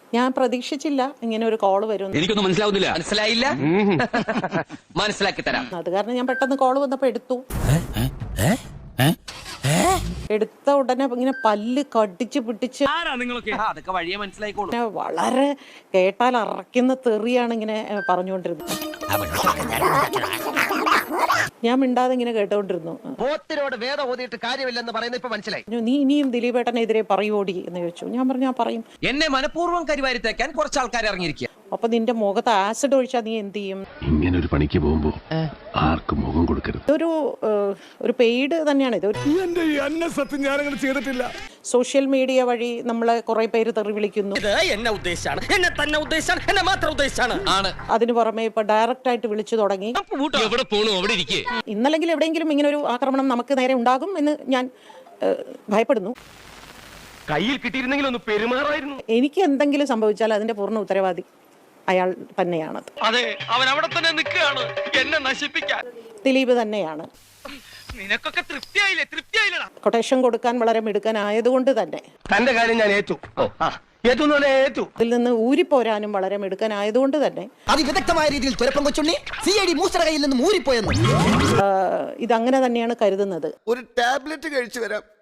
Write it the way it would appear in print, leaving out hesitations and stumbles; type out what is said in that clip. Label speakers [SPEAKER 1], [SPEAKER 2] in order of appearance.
[SPEAKER 1] ഞാൻ പ്രതീക്ഷിച്ചില്ല ഇങ്ങനെ ഒരു കോള് വരും.
[SPEAKER 2] എനിക്കൊന്നും മനസ്സിലാവുന്നില്ല.
[SPEAKER 3] മനസ്സിലായില്ല? മനസ്സിലാക്കി തരാം.
[SPEAKER 1] അത് കാരണം ഞാൻ പെട്ടെന്ന് കോള് വന്നപ്പോ എടുത്തു. എടുത്ത ഉടനെ ഇങ്ങനെ പല്ല് കടിച്ച് പിടിച്ച്
[SPEAKER 3] അതൊക്കെ വഴിയെ മനസ്സിലായിക്കോളൂ.
[SPEAKER 1] വളരെ കേട്ടാൽ അറയ്ക്കുന്ന തെറിയാണ് ഇങ്ങനെ പറഞ്ഞുകൊണ്ടിരുന്നത്. ഞാൻ മിണ്ടാതെ ഇങ്ങനെ കേട്ടോണ്ടിരുന്നു.
[SPEAKER 4] പോത്തിനോട് വേദം ഓതിയിട്ട് കാര്യമില്ലെന്ന് പറയുന്നത് ഇപ്പൊ മനസ്സിലായി.
[SPEAKER 1] നീ ഇനിയും ദിലീപേട്ടനെതിരെ പറയോടി എന്ന് ചോദിച്ചു. ഞാൻ പറഞ്ഞു ഞാൻ പറയും.
[SPEAKER 3] എന്നെ മനഃപൂർവ്വം കരിവാരി തേക്കാൻ കുറച്ച് ആൾക്കാർ ഇറങ്ങിയിരിക്കുക.
[SPEAKER 1] അപ്പൊ നിന്റെ മുഖത്ത് ആസിഡ് ഒഴിച്ചാൽ നീ എന്ത് ചെയ്യും?
[SPEAKER 5] ഇങ്ങനെ ഒരു പണിക്ക് പോകുമ്പോ ആർക്കും മുഖം കൊടുക്കരുത്.
[SPEAKER 1] ഒരു പെയ്ഡ് തന്നെയാണ് ഇത്.
[SPEAKER 5] ചെയ്തിട്ടില്ല.
[SPEAKER 1] സോഷ്യൽ മീഡിയ വഴി നമ്മളെ കുറെ പേര് തെറി വിളിക്കുന്നു.
[SPEAKER 4] എന്നെ ഉദ്ദേശാണ്, എന്നെ തന്നെ ഉദ്ദേശാണ്, എന്നെ മാത്രം ഉദ്ദേശാണ്.
[SPEAKER 1] അതിനു പുറമെ ഇപ്പൊ ഡയറക്റ്റ് ആയിട്ട് വിളിച്ചു തുടങ്ങി.
[SPEAKER 2] എവിടെ പോണു അവിടെ ഇരിക്കേ.
[SPEAKER 1] ഇന്നല്ലെങ്കിൽ എവിടെയെങ്കിലും ഇങ്ങനെ ഒരു ആക്രമണം നമുക്ക് നേരെ ഉണ്ടാകും എന്ന് ഞാൻ ഭയപ്പെടുന്നു.
[SPEAKER 4] കയ്യിൽ കിട്ടിയിരുന്നെങ്കിൽ ഒന്ന് പെരുമാറായിരുന്നു.
[SPEAKER 1] എനിക്ക് എന്തെങ്കിലും സംഭവിച്ചാൽ അതിന്റെ പൂർണ്ണ ഉത്തരവാദി അയാൾ തന്നെയാണ്.
[SPEAKER 4] അതെ, അവൻ അവിടെ തന്നെ നിൽക്കുകയാണ് എന്നെ നശിപ്പിക്കാൻ.
[SPEAKER 1] ദിലീപ് തന്നെയാണ്.
[SPEAKER 4] നിനക്കൊക്കെ തൃപ്തിയായില്ലേ? തൃപ്തിയായില്ലടാ.
[SPEAKER 1] കൊട്ടേഷൻ കൊടുക്കാൻ വളരെ മിടുക്കനായതുകൊണ്ട് തന്നെ
[SPEAKER 4] തന്റെ കാര്യം ഞാൻ ഏറ്റു. ഏറ്റു.
[SPEAKER 1] അതിൽ നിന്ന് ഊരിപ്പോരാനും വളരെ മിടുക്കനായതുകൊണ്ട് തന്നെ
[SPEAKER 6] അതിവിദഗ്ധമായ രീതിയിൽ തുരപ്പം കൊച്ചുണ്ണി CID മൂസറ കയ്യിൽ നിന്നും ഊരിപ്പോയെന്ന്
[SPEAKER 1] ഇതങ്ങനെ തന്നെയാണ് കരുതുന്നത്.
[SPEAKER 7] ഒരു ടാബ്ലറ്റ് കഴിച്ചു വരാം.